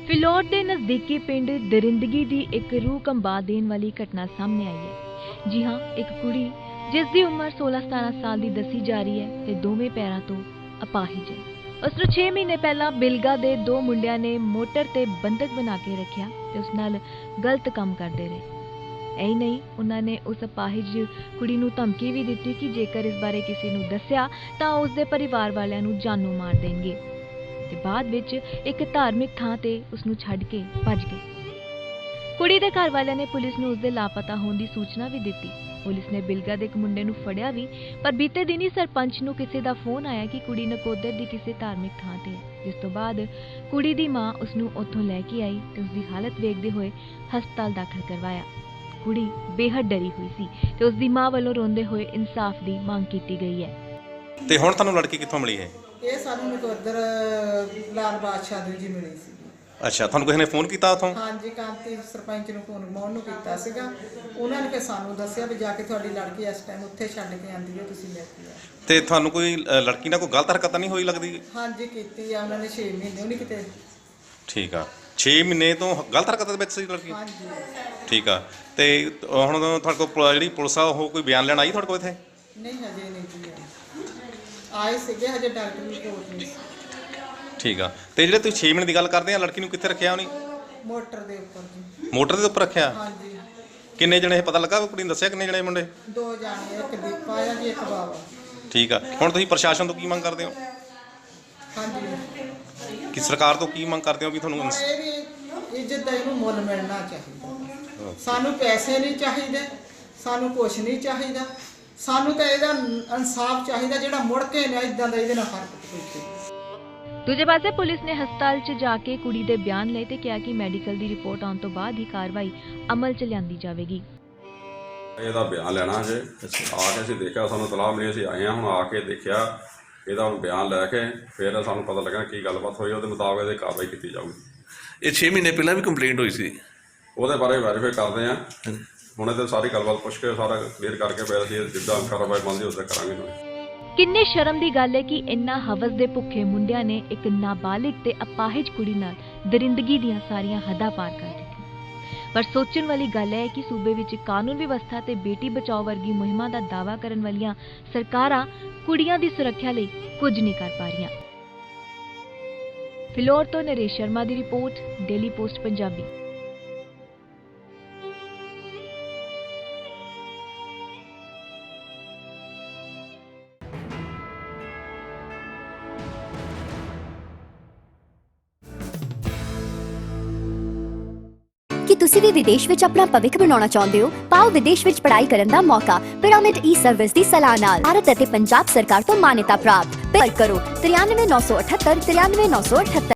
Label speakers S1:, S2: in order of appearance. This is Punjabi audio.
S1: ਫਿਲੌਰ ਦੇ ਨਜ਼ਦੀਕੀ ਪਿੰਡ ਦਰਿੰਦਗੀ ਦੀ ਇੱਕ ਰੂਹ ਕੰਬਾ ਦੇਣ ਵਾਲੀ ਘਟਨਾ ਸਾਹਮਣੇ ਆਈ ਹੈ। ਜੀ ਹਾਂ, ਇੱਕ ਕੁੜੀ ਜਿਸ ਦੀ ਉਮਰ 16-17 ਸਾਲ ਦੀ ਦੱਸੀ ਜਾ ਰਹੀ ਹੈ ਤੇ ਦੋਵੇਂ ਪੈਰਾਂ ਤੋਂ ਅਪਾਹਿਜ ਹੈ। ਉਸ ਨੂੰ 6 ਮਹੀਨੇ ਪਹਿਲਾਂ ਬਿਲਗਾ ਦੇ ਦੋ ਮੁੰਡਿਆਂ ਨੇ ਮੋਟਰ ਤੇ ਬੰਦਕ ਬਣਾ ਕੇ ਰੱਖਿਆ ਤੇ ਉਸ ਨਾਲ ਗਲਤ ਕੰਮ ਕਰਦੇ ਰਹੇ। ਐ ਨਹੀਂ, ਉਹਨਾਂ ਨੇ ਉਸ ਅਪਾਹਿਜ ਕੁੜੀ ਨੂੰ ਧਮਕੀ ਵੀ ਦਿੱਤੀ ਕਿ ਜੇਕਰ ਇਸ ਬਾਰੇ ਕਿਸੇ ਨੂੰ ਦੱਸਿਆ ਤਾਂ ਉਸ ਦੇ ਪਰਿਵਾਰ ਵਾਲਿਆਂ ਨੂੰ ਜਾਨੋਂ ਮਾਰ ਦੇਣਗੇ ਤੇ ਬਾਅਦ ਵਿੱਚ ਇੱਕ ਧਾਰਮਿਕ ਥਾਂ ਤੇ ਉਸ ਨੂੰ ਛੱਡ ਕੇ ਭੱਜ ਗਏ। ਕੁੜੀ ਦੇ ਘਰ ਵਾਲਿਆਂ ਨੇ ਪੁਲਿਸ ਨੂੰ ਉਸ ਦੇ ਲਾਪਤਾ ਹੋਣ ਦੀ ਸੂਚਨਾ ਵੀ ਦਿੱਤੀ। ਪੁਲਿਸ ਨੇ ਬਿਲਗਾ ਦੇ ਇੱਕ ਮੁੰਡੇ ਨੂੰ ਫੜਿਆ ਵੀ, ਪਰ ਬੀਤੇ ਦਿਨੀ ਸਰਪੰਚ ਨੂੰ ਕਿਸੇ ਦਾ ਫੋਨ ਆਇਆ ਕਿ ਕੁੜੀ ਨਕੋਦਰ ਦੀ ਕਿਸੇ ਧਾਰਮਿਕ ਥਾਂ ਤੇ ਹੈ, ਜਿਸ ਤੋਂ ਬਾਅਦ ਕੁੜੀ ਦੀ ਮਾਂ ਉਸ ਨੂੰ ਉੱਥੋਂ ਲੈ ਕੇ ਆਈ ਤੇ ਉਸ ਦੀ ਹਾਲਤ ਵੇਖਦੇ ਹੋਏ ਹਸਪਤਾਲ ਦਾਖਲ ਕਰਵਾਇਆ। ਕੁੜੀ ਬੇਹੱਦ ਡਰੀ ਹੋਈ ਸੀ ਤੇ ਉਸ ਦੀ ਮਾਂ ਵੱਲੋਂ ਰੋਂਦੇ ਹੋਏ ਇਨਸਾਫ ਦੀ ਮੰਗ ਕੀਤੀ ਗਈ ਹੈ।
S2: ਤੇ ਹੁਣ ਤੁਹਾਨੂੰ ਲੜਕੀ ਕਿੱਥੋਂ ਮਿਲੀ ਹੈ?
S3: ਇਹ ਸਾਨੂੰ ਨਕੋਦਰ ਲਾਲ ਬਾਦਸ਼ਾਹ ਦੀ ਜੀ ਮਿਲੀ ਸੀ।
S2: ਅੱਛਾ, ਤੁਹਾਨੂੰ ਕਿਸੇ ਨੇ ਫੋਨ ਕੀਤਾ ਉਥੋਂ?
S3: ਹਾਂਜੀ, ਕਾਂਤੀ ਸਰਪੰਚ ਨੂੰ ਫੋਨ ਮੋਹਨ ਨੂੰ ਕੀਤਾ ਸੀਗਾ। ਉਹਨਾਂ ਨੇ ਫਿਰ ਸਾਨੂੰ ਦੱਸਿਆ ਵੀ ਜਾ ਕੇ ਤੁਹਾਡੀ ਲੜਕੀ ਇਸ ਟਾਈਮ ਉੱਥੇ ਛੱਡ ਕੇ ਆਂਦੀ ਹੈ, ਤੁਸੀਂ ਲੈ ਕੇ ਆਓ।
S2: ਤੇ ਤੁਹਾਨੂੰ ਕੋਈ ਲੜਕੀ ਨਾਲ ਕੋਈ ਗਲਤ ਹਰਕਤ ਤਾਂ ਨਹੀਂ ਹੋਈ ਲੱਗਦੀ?
S3: ਹਾਂਜੀ, ਕੀਤੀ ਆ ਉਹਨਾਂ ਨੇ 6 ਮਹੀਨੇ ਉਹਨੇ ਕਿਤੇ।
S2: ਠੀਕ ਆ, 6 ਮਹੀਨੇ ਤੋਂ ਗਲਤ ਹਰਕਤ ਦੇ ਵਿੱਚ ਸੀ ਲੜਕੀ?
S3: ਹਾਂਜੀ।
S2: ਠੀਕ ਆ, ਤੇ ਹੁਣ ਤੁਹਾਡੇ ਕੋਲ ਜਿਹੜੀ ਪੁਲਿਸ ਆ ਉਹ ਕੋਈ ਬਿਆਨ ਲੈਣ ਆਈ ਤੁਹਾਡੇ ਕੋਲ ਇੱਥੇ?
S3: ਨਹੀਂ, ਹਜੇ ਨਹੀਂ ਜੀ ਆਏ ਸੀਗੇ, ਹਜੇ ਡਾਕਟਰ ਦੀ ਰਿਪੋਰਟ ਨਹੀਂ ਸੀ।
S2: ਠੀਕ ਆ, ਤੇ ਜਿਹੜੇ ਤੁਸੀਂ 6 ਮਹੀਨੇ ਦੀ ਗੱਲ ਕਰਦੇ ਆ, ਲੜਕੀ ਨੂੰ ਕਿੱਥੇ ਰੱਖਿਆ ਉਹਨੇ?
S3: ਮੋਟਰ ਦੇ ਉੱਪਰ ਜੀ।
S2: ਮੋਟਰ ਦੇ ਉੱਪਰ ਰੱਖਿਆ?
S3: ਹਾਂਜੀ।
S2: ਕਿੰਨੇ ਜਣੇ ਇਹ ਪਤਾ ਲੱਗਾ? ਕੁੜੀ ਨੇ ਦੱਸਿਆ ਕਿੰਨੇ ਜਣੇ ਮੁੰਡੇ?
S3: 2 ਜਾਣੇ, ਇੱਕ ਦੀਪਾ ਆ ਜੀ, ਇੱਕ ਬਾਵਾ।
S2: ਠੀਕ ਆ, ਹੁਣ ਤੁਸੀਂ ਪ੍ਰਸ਼ਾਸਨ ਤੋਂ ਕੀ ਮੰਗ ਕਰਦੇ ਹੋ?
S3: ਹਾਂਜੀ,
S2: ਕਿ ਸਰਕਾਰ ਤੋਂ ਕੀ ਮੰਗ ਕਰਦੇ ਹੋ ਵੀ ਤੁਹਾਨੂੰ
S3: ਹੁਣ ਇਹਦੀ ਇੱਜ਼ਤ ਦਾ ਇਹਨੂੰ ਮੁੱਲ ਮਿਲਣਾ ਚਾਹੀਦਾ। ਸਾਨੂੰ ਪੈਸੇ ਨਹੀਂ ਚਾਹੀਦੇ, ਸਾਨੂੰ ਕੁਛ ਨਹੀਂ ਚਾਹੀਦਾ, ਸਾਨੂੰ ਤਾਂ ਇਹਦਾ ਇਨਸਾਫ ਚਾਹੀਦਾ ਜਿਹੜਾ ਮੁੜ ਕੇ ਨਾ ਇਦਾਂ ਦਾ ਇਹਦੇ ਨਾਲ ਫਰਕ ਪਵੇ।
S1: ਦੂਜੇ ਪਾਸੇ ਪੁਲਿਸ ਨੇ ਹਸਪਤਾਲ 'ਚ ਜਾ ਕੇ ਕੁੜੀ ਦੇ ਬਿਆਨ ਲਏ ਤੇ ਕਿਹਾ ਕਿ ਮੈਡੀਕਲ ਦੀ ਰਿਪੋਰਟ ਆਉਣ ਤੋਂ ਬਾਅਦ ਹੀ ਕਾਰਵਾਈ ਅਮਲ 'ਚ ਲਿਆਂਦੀ ਜਾਵੇਗੀ।
S4: ਇਹਦਾ ਬਿਆਨ ਲੈਣਾ ਜੇ ਆ ਕੇ ਅਸੀਂ ਦੇਖਿਆ, ਸਾਨੂੰ ਤਲਾਹ ਮਿਲੀ, ਅਸੀਂ ਆਏ ਹਾਂ, ਹੁਣ ਆ ਕੇ ਦੇਖਿਆ ਇਹਦਾ ਹੁਣ ਬਿਆਨ ਲੈ ਕੇ ਫਿਰ ਸਾਨੂੰ ਪਤਾ ਲੱਗਾ ਕੀ ਗੱਲਬਾਤ ਹੋਈ, ਉਹਦੇ ਮੁਤਾਬਕ ਇਹਦੀ ਕਾਰਵਾਈ ਕੀਤੀ ਜਾਊਗੀ।
S5: ਇਹ 6 ਮਹੀਨੇ ਪਹਿਲਾਂ ਵੀ ਕੰਪਲੇਂਟ ਹੋਈ ਸੀ?
S4: ਉਹਦੇ ਬਾਰੇ ਵੈਰੀਫਾਈ ਕਰਦੇ ਹਾਂ, ਹੁਣ ਇਹਦੇ ਸਾਰੀ ਗੱਲਬਾਤ ਪੁੱਛ ਕੇ ਸਾਰਾ ਕਲੀਅਰ ਕਰਕੇ ਫਿਰ ਅਸੀਂ ਜਿੱਦਾਂ ਕਾਰਵਾਈ ਬਣਦੀ ਉਸੇ ਕਰਾਂਗੇ।
S1: ਕਿੰਨੇ ਸ਼ਰਮ ਦੀ ਗੱਲ ਹੈ ਕਿ ਇੰਨਾ ਹਵਸ ਦੇ ਭੁੱਖੇ ਮੁੰਡਿਆਂ ਨੇ ਇੱਕ ਨਾਬਾਲਿਗ ਤੇ ਅਪਾਹਿਜ ਕੁੜੀ ਨਾਲ ਦਰਿੰਦਗੀ ਦੀਆਂ ਸਾਰੀਆਂ ਹੱਦਾਂ ਪਾਰ ਕਰ ਦਿੱਤੀਆਂ। ਪਰ ਸੋਚਣ ਵਾਲੀ ਗੱਲ ਹੈ ਕਿ ਸੂਬੇ ਵਿੱਚ ਕਾਨੂੰਨ ਵਿਵਸਥਾ ਤੇ ਬੇਟੀ ਬਚਾਓ ਵਰਗੀ ਮੁਹਿੰਮਾਂ ਦਾ ਦਾਅਵਾ ਕਰਨ ਵਾਲੀਆਂ ਸਰਕਾਰਾਂ ਕੁੜੀਆਂ ਦੀ ਸੁਰੱਖਿਆ ਲਈ ਕੁਝ ਨਹੀਂ ਕਰ ਪਾ ਰਹੀਆਂ। ਫਿਲੌਰ ਤੋਂ ਨਰੇਸ਼ ਸ਼ਰਮਾ ਦੀ ਰਿਪੋਰਟ, ਡੇਲੀ ਪੋਸਟ ਪੰਜਾਬੀ।
S6: ਕੀ ਤੁਸੀਂ ਵੀ ਵਿਦੇਸ਼ ਵਿੱਚ ਆਪਣਾ ਭਵਿੱਖ ਬਣਾਉਣਾ ਚਾਹੁੰਦੇ ਹੋ? ਪਾਓ ਵਿਦੇਸ਼ ਵਿੱਚ ਪੜ੍ਹਾਈ ਕਰਨ ਦਾ ਮੌਕਾ ਪਿਰਾਮਿਡ ਈ-ਸਰਵਿਸ ਦੀ ਸਲਾਹ ਨਾਲ। ਭਾਰਤ ਅਤੇ ਪੰਜਾਬ ਸਰਕਾਰ ਤੋਂ ਮਾਨਤਾ ਪ੍ਰਾਪਤ। ਪਰ ਕਰੋ 93 978 93 978।